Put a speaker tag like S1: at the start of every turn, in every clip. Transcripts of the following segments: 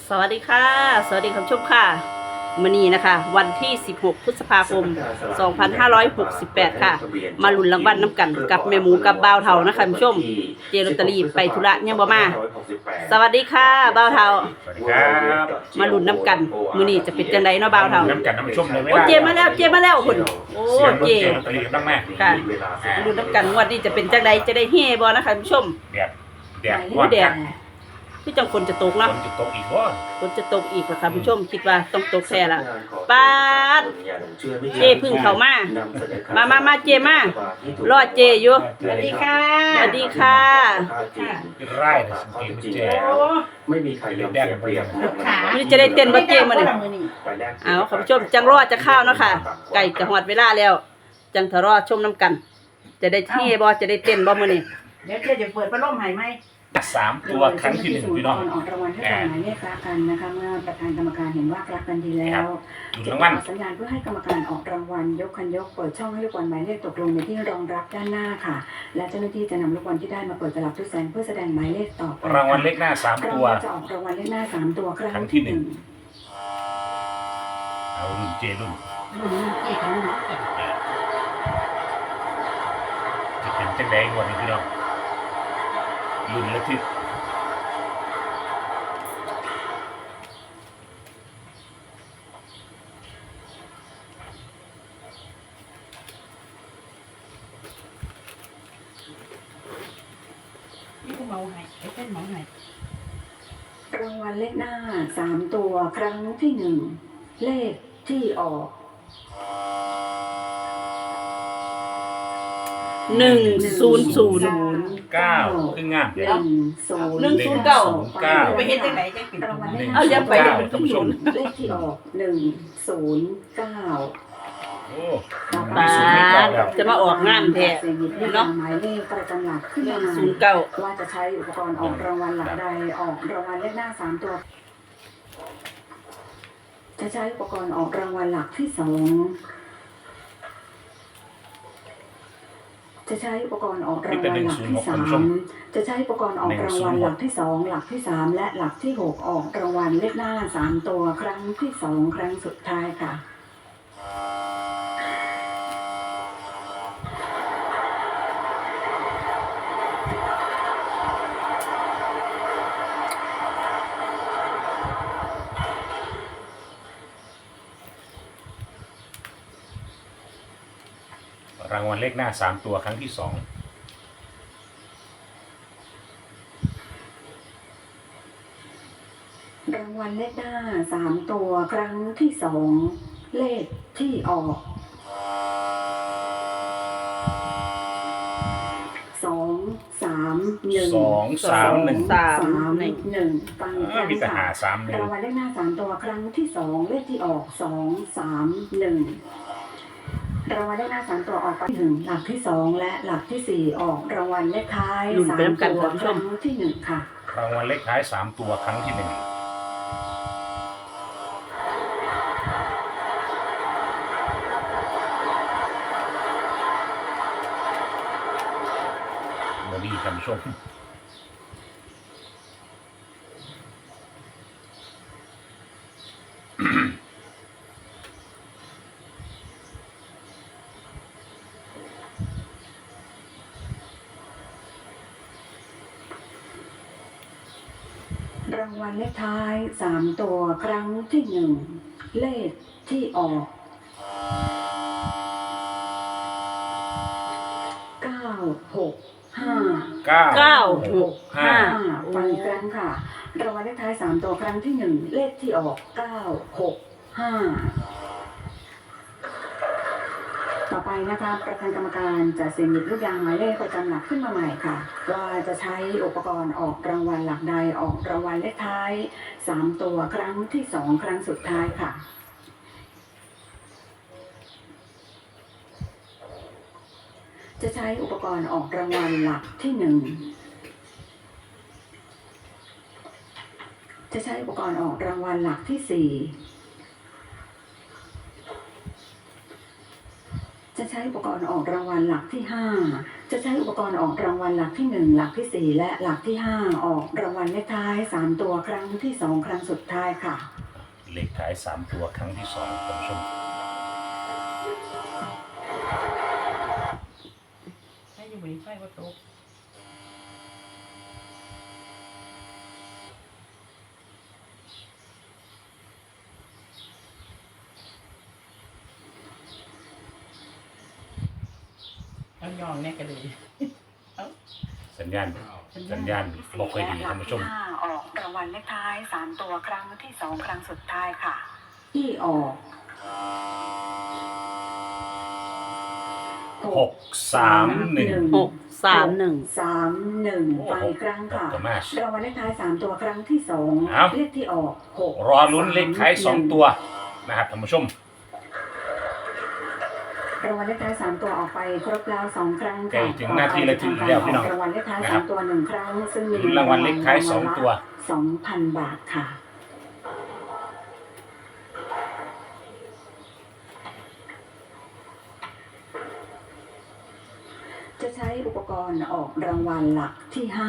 S1: สวัสดีค่ะสวัสดีคุณผู้ชมค่ะมื้อนี้นะคะวันที่16พฤษภาคม2568ค่ะมาลุ้นรางวัลน้ำกันกับแม่หมูกับบ่าวเฒ่านะคะคุณผู้ชมเจลอตเตอรี่ไปธุระยังบ่มาสวัสดีค่ะบ่าวเฒ่า
S2: สวัสดีครับ
S1: มาลุ้นน้ำกันมื้อนี้จะเป็นจังไดเนาะบ่าวเฒ่า
S2: น้ำกันน้ำชุ่มเลยไหม
S1: โอ้เจมาแล้วคุณโอ้
S2: เสียง
S1: เจ
S2: เสียงตะลีบ้างแม่
S1: ค่ะมาลุ้นน้ำกันงวดนี้จะเป็นจังไดจะได้เฮ่บ่นะคะคุณผู้ชม
S2: แดด
S1: โอ้แดดคือจังฝนจะตก
S2: ฝ
S1: เนาะ
S2: นจะตกอีกว่า
S1: ฝนจะตกอีกค่ะคุณผู้ชมคิดว่าต้องตกแท้ละปาดเจพึ่งเข้ามาเจมารอเจอยู่สวัสดีค่ะสวัสดีค่ะ
S2: ไร่เลยสังเกตมันแจ่
S3: ไม่มีใครยอมเสียเปรียบ
S1: มื้อนี้จะได้เต้นบ่เจมาเนี่ยเอาคุณผู้ชมจังรอจะข้าวเนาะค่ะไก่จะหอดเวลาแล้ว จังทะรอชมน้ำกัน จะได้เท่บ่จะได้เต้นบ่มื้อนี้เดี๋ยวเจจะเปิดพัดลมให้ไหม
S2: 3 ตัวครั้งที่1พี่น้อง
S4: ออกรางวัลให้กับหมายเลขรักกันนะคะเมื่อประธานกรรมการเห็นว่ารักกันดีแล้ว
S2: ดูรางวัล
S4: สัญญาณเพื่อให้กรรมการออกรางวัลยกคันยกเปิดช่องให้ลูกบอลหมายเลขตกลงในที่รองรับด้านหน้าค่ะและเจ้าหน้าที่จะนำลูกบอลที่ได้มาเปิดตลับทุกแสนเพื่อแสดงหมายเลขต่อไป
S2: รางวัลเลขหน้า3 ตัว
S4: จะออกรางวัลเลขหน้า3ตัวครั้ง
S2: ที่หนึ่ง เอารุ่นเจรุ่นจะเป็นจังไดงวดนี้พี่น้องรุ่นละที่
S1: นี่ก็เมาให้เต้นเมาให้
S4: รางวัลเลขหน้า3ตัวครั้งที่1เลขที่ออก
S1: 100
S2: 9ขึ้นงาม
S1: ไปเฮ็ดจังไดจังเป็น
S4: รางวัลเลขห
S1: เอา
S4: น้า
S1: อย่าไปเดี๋ยวมัน
S2: ท่านผู้ชม
S4: เลขที่ออก109
S2: โอ้
S1: ปาดจะมาออกงามแท้
S4: เนาะหมายเลขประจำหลักขึ้นมา
S1: 09
S4: ว่าจะใช้อุปกรณ์ออกรางวัลหลักใดออกรางวัลเลขหน้า3ตัวจะใช้อุปกรณ์ออกรางวัลหลักที่2จะใช้อุปกรณ์ออกรางวัลหลักที่3จะใช้อุปกรณ์ออกรางวัลหลักที่2หลักที่3และหลักที่6ออกรางวัลเลขหน้า3ตัวครั้งที่2ครั้งสุดท้ายค่ะ
S2: รางวัลเลขหน้า3 ตัวครั้งที่ 2
S4: รางวัลเลขหน้า3ตัวครั้งที่2เลขที่ออก2 3 1
S2: 2 3 1
S4: 1ฟังอีกครั้ง
S2: มีแต่หา
S4: ค่ะ
S2: 3
S4: รางวัลเลขหน้า3ตัวครั้งที่2เลขที่ออก2 3 1รางวัลเลขหน้า3ตัวออกไปถึงหลักที่2และหลักที่4ออกรางวัลเลขท้าย3ตัวครั้งที่1ค่ะ
S2: รางวัลเลขท้าย3 ตัวครั้งที่ 1วันนี้ท่านผู้ชม
S4: รางวัลเลขท้าย3ตัวครั้งที่1เลขที่ออก9 6 5
S1: 965
S4: ฟังอีกครั้งค่ะรางวัลเลขท้าย3ตัวครั้งที่1เลขที่ออก9 6 5ต่อไปนะคะประธานกรรมการจะเสี่ยงหยิบลูกยางหมายเลขประจำหลักขึ้นมาใหม่ค่ะว่าจะใช้อุปกรณ์ออกรางวัลหลักใดออกรางวัลเลขท้าย3ตัวครั้งที่2ครั้งสุดท้ายค่ะจะใช้อุปกรณ์ออกรางวัลหลักที่1จะใช้อุปกรณ์ออกรางวัลหลักที่4 จะใช้อุปกรณ์ออกรางวัลหลักที่5 จะใช้อุปกรณ์ออกรางวัลหลักที่1หลักที่4และหลักที่5ออกรางวัลเลขท้าย3ตัวครั้งที่2ครั้งสุดท้ายค่ะ
S2: เลขท้าย3ตัวครั้งที่2ท่านผู้ชม
S1: ให้อยู่บนไฟก็ตกเอายองแน่กันเลย
S2: สัญญาณบอกค่อยดีท่านผู้ชม
S4: ออกรางวัลเลขท้าย3ตัวครั้งที่2ครั้งสุดท้ายค่ะที่ออก
S2: 631
S1: 631
S4: ไปครั้งค่ะรางวัลเลขท้าย3ตัวครั้งที่2เลขที่ออก
S2: 6รอลุ้นเลขท้าย2ตัวนะครับท่านผู้ชม
S4: รางวัลเลขท้าย3ตัวออกไปครบแล้ว2ครั้งค่ะ
S2: ถึงหน้าที่และถึงแล้วพี่น้อง
S4: รางวัลเลขท้าย3ตัว1ครั้งซึ่งมี
S2: รางวัลเลขท้าย2ตัว
S4: 2,000 บาทค่ะจะใช้อุปกรณ์ออกรางวัลหลักที่5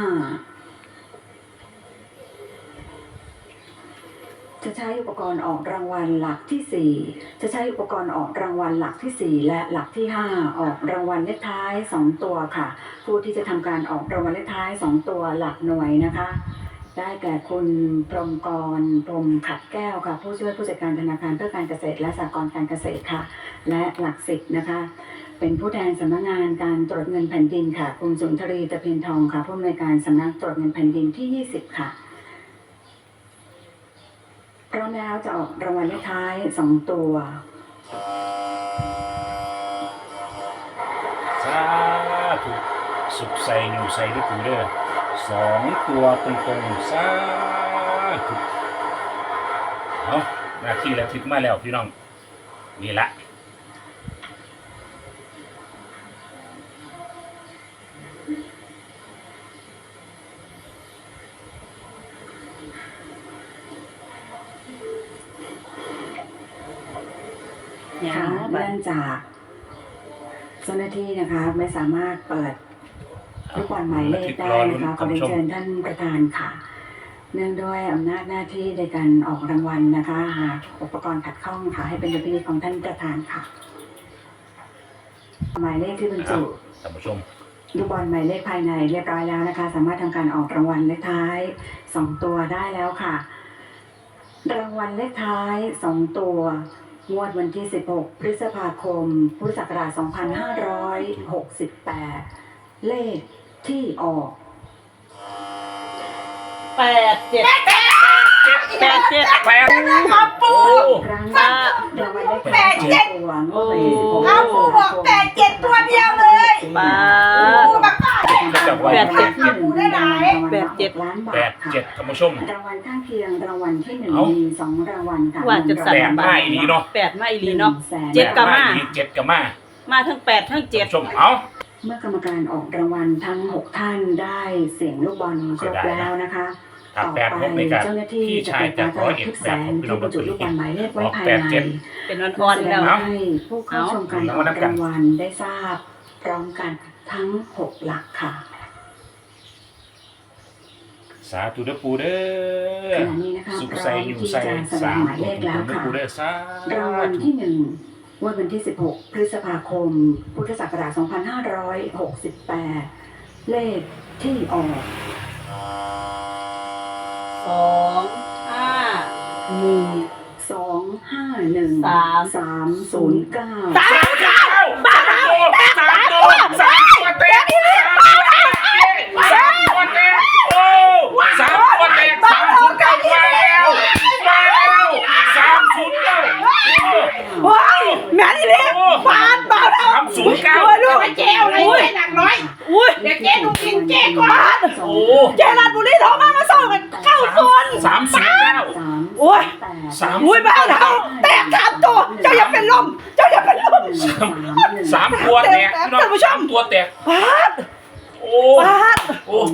S4: จะใช้อุปกรณ์ออกรางวัลหลักที่4จะใช้อุปกรณ์ออกรางวัลหลักที่4และหลักที่5ออกรางวัลเลขท้าย2ตัวค่ะผู้ที่จะทำการออกรางวัลเลขท้าย2ตัวหลักหน่วยนะคะได้แก่คุณพรหมกรพรหมขัดแก้วค่ะผู้ช่วยผู้จัดการธนาคารเพื่อการเกษตรและสหกรณ์การเกษตรค่ะและหลัก10นะคะเป็นผู้แทนสำนักงานการตรวจเงินแผ่นดินค่ะคุณสุนทรีตะเพียนทองค่ะผู้อำนวยการสำนักตรวจเงินแผ่นดินที่20ค่ะพร้อมแล้วจะออกรางวัลเลขท้าย2ตัว
S2: สาธุสุขใส่อยู่ใส่ด้วยปูเด้อ2ตัวตรงๆสาธุเอาหน้าที่แล้วทิศมาแล้วพี่น้องนี่ละ
S4: เนื่องจากเจ้าหน้าที่นะคะไม่สามารถเปิดลูกบอลหมายเลขได้นะคะขอเรียนเชิญท่านประธานค่ะเนื่องด้วยอำนาจหน้าที่ในการออกรางวัลนะคะหากอุปกรณ์ขัดข้องค่ะให้เป็นดุลพินิจของท่านประธานค่ะหมายเลขที่บรรจุ
S2: ท่านผู้ชม
S4: ลูกบอลหมายเลขภายในเรียบร้อยแล้วนะคะสามารถทำการออกรางวัลเลขท้าย2ตัวได้แล้วค่ะรางวัลเลขท้าย2ตัวงวดวันที่16พฤษภาคมพุทธศักราช2568เลขที่ออก
S1: 87
S5: ครับปู่
S4: ครั้งรางวัลเลขท้าย2ตัวงวดวันที่16
S5: ครับปู่บอก87ตัวเดียวเลยปู่บอกปู่ได้ไหน
S4: 87ล้านบาทค่ะ
S2: ท่านผู้ชม
S4: รางวัลข้างเคียงรางวัลที่1มี2รางวัลค่ะ
S1: ว่าจะสั่น
S2: 8มาอีหลีเนาะ
S1: 8มาอีหลีเนาะ7ก็มาทั้ง8ทั้ง7
S2: ชมเอา
S4: เมื่อกรรมการออกรางวัลทั้ง6ท่านได้เสียงลูกบอลครบแล้วนะคะต่อไปเจ้าหน้าที่จะเปิดการตลาดทุกแสนที่บรรจุลูกบอลหมายเลขไว้ภายใน
S1: เป็นอ่อนๆแล้ว
S4: ให้ผู้เข้าชมการออกรางวัลได้ทราบพร้อมกันทั้ง6หลักค่ะ
S2: สาธุเด้อปูเด้อสุขใส่อยู่ใส่3หมายเลขแล้วค่ะ
S4: รางวัลที่1วันที่16พฤษภาคมพุทธศักราช2568เลขที่ออก251 309
S2: บ้า3ตัวเต็ม
S1: ว้าวแม่นี่เลยบาทแล้ว
S2: 309
S5: ลูกไอ้เจ้าอะไรเนี่ยหนักน้อยเดี๋ยวเจ๊ดูกินเจ๊ก่อน
S1: เจรัญบุรีโทรมาส่งกัน9คน
S2: 309
S1: โอ้ยบ้าแล้วแตก3ตัวเจ้าอย่าเป็นลม
S2: 3ตัวแตกท่านผู้ชมตัวแตก
S1: บาท
S4: บาทโอ้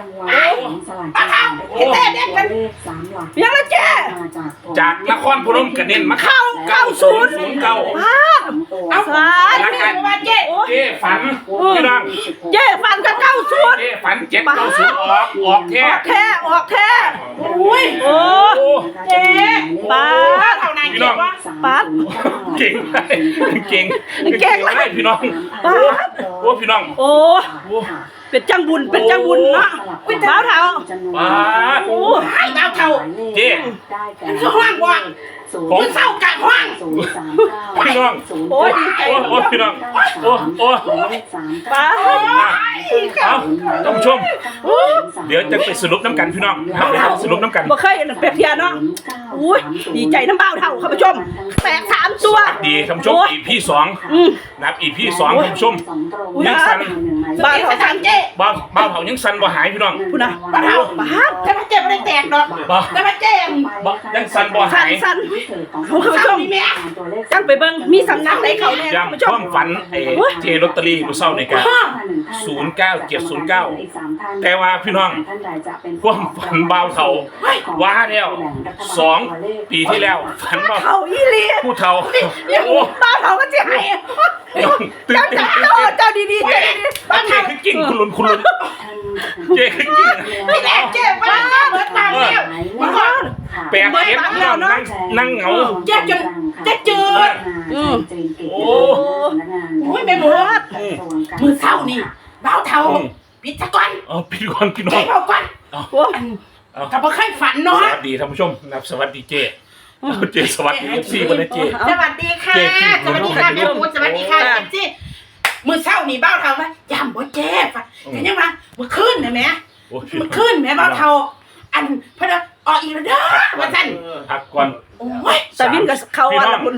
S5: เต้เด็ดกัน
S1: ยังละเจ๊
S2: จากนครพนมกระเด็นมา
S1: เข้า90
S2: บาท
S1: โอ้
S5: เอา
S1: สา
S5: ไม่ได้มาเจ๊
S2: เจ๊ฝันพี่น้อง
S1: เจ๊ฟันกับ90
S2: เจ๊ฝัน790ออกแท้
S1: ออกแท้
S5: อุ้ย
S1: โอ้
S5: เจ๊
S1: ป้า
S5: เท่านั้นเจ๊ว่า
S1: ปั๊ด
S2: เก่งเก่ง
S1: เก่ง
S2: ไรพี่น้อง
S1: ป้า
S2: โอ้พี่น้อง
S1: โอ้เป็นจังบุญเนาะบ้าวเฒ่า
S2: โอ้
S5: ให้เบาเท่า
S2: เจ๊
S5: คือห้างว่างคือเศร้ากะห้าง
S2: พี่น้อง
S1: โอ้ดีใจ
S2: โอ้พี่น้องโอ้
S1: ป้า
S2: เอาท่านผู้ชม เดี๋ยวจะไปสรุปน้ำกันพี่น้องครับเดี๋ยวสรุปน้ำกัน
S1: บ่เคยเปรียบเทียบเนาะอุ้ยดีใจน้ำบ้าวเฒ่าคุณผู้ชมแตก3ตัว
S2: ดีท่านผู้ชมอีพีสองนับอีพีสองท่านผู้ชม
S1: ยังสั่น
S5: บ้านเขาทำเจ๊
S2: บ้าเผายังสั่นบ่หายพี่น้อง
S1: คุณนะ
S5: บ้านเท่าแต่พระเจ๊ไม่ได้แตกดอก
S2: บ่
S5: แต่พระเจ๊
S2: ยังสั่นบ่หาย
S1: สั่นคุณผู้ชมจังไปเบิ่งมีสำนักไหนเขาแน่คุณผู้ช
S2: ย้ำความ มฝันเจลอตเตอรี่ผู้เศร้าในการ แต่ว่าพี่น้องความฝันบ่าวเฒ่าว่าแล้ว2 ปีที่แล้วฝันว่า
S1: เขาอีหลี
S2: ผู้เฒ่าโอ้
S1: บ้าวเฒ่าก็สิให้
S2: ตื่น
S1: เจ้า
S2: เต้น
S1: เจ้าดีๆเจ้าดี
S2: เจ๊คือกิ่งคุณลุนเจ๊คือกิ่ง
S5: ไม่แตกเจ๊บ้านเบิดตามแล้วมันก็
S2: แปลกเก็บพี่น้องนั่งเหงา
S5: เจ๊จืด
S2: โอ้
S5: อุ้ยแม่หมูมือเศร้านี่เบาเท่าพิจก่อน
S2: เอาพี่ก่อนพี่น้อ
S5: เจ๊
S2: ง
S5: เบาก่อน
S1: โอ้
S5: กับบ่เคยฝัน
S2: ส
S5: เนาะ
S2: วัสดีท่านผู้ชมนับสวัสดีเจ๊เจ๊สวัสดีFCวันนี้เจ๊
S5: สวัสดีค่ะสวัสดีค่ะแม่หมูสวัสดีค่ะเจ๊มือเศร้านี่เบาเท่าว่าย่ำบ่เจ๊ฝันแต่ยังว่าเมื่อคืนนะแม่
S2: โอ้พี่
S5: เมื่อคืนแม่เบาเท่าอันพระออกอีกแล้วเด้อว่าซั่น
S2: พักก่อน
S5: โอ้ย
S1: แต่วินกับเขาอ่ะล่ะคุณ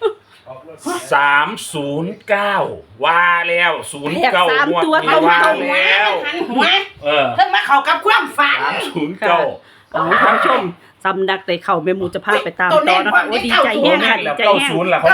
S2: 309ว่าแล้ว09งวด
S1: ตัว
S2: นี้
S1: เท่า
S2: ว่า
S5: หัว
S2: แล้ว
S5: หันหัว
S2: เออ
S5: เพิ่งมาเข้ากับความฝัน
S2: 309
S1: เอาคุณผู้ชมสำนักไหนเขาแม่หมูจะพาไปตามต่อนะคะโอ้ดีใจแห้งค่ะดีใจแห้ง
S2: 90ล่ะเขา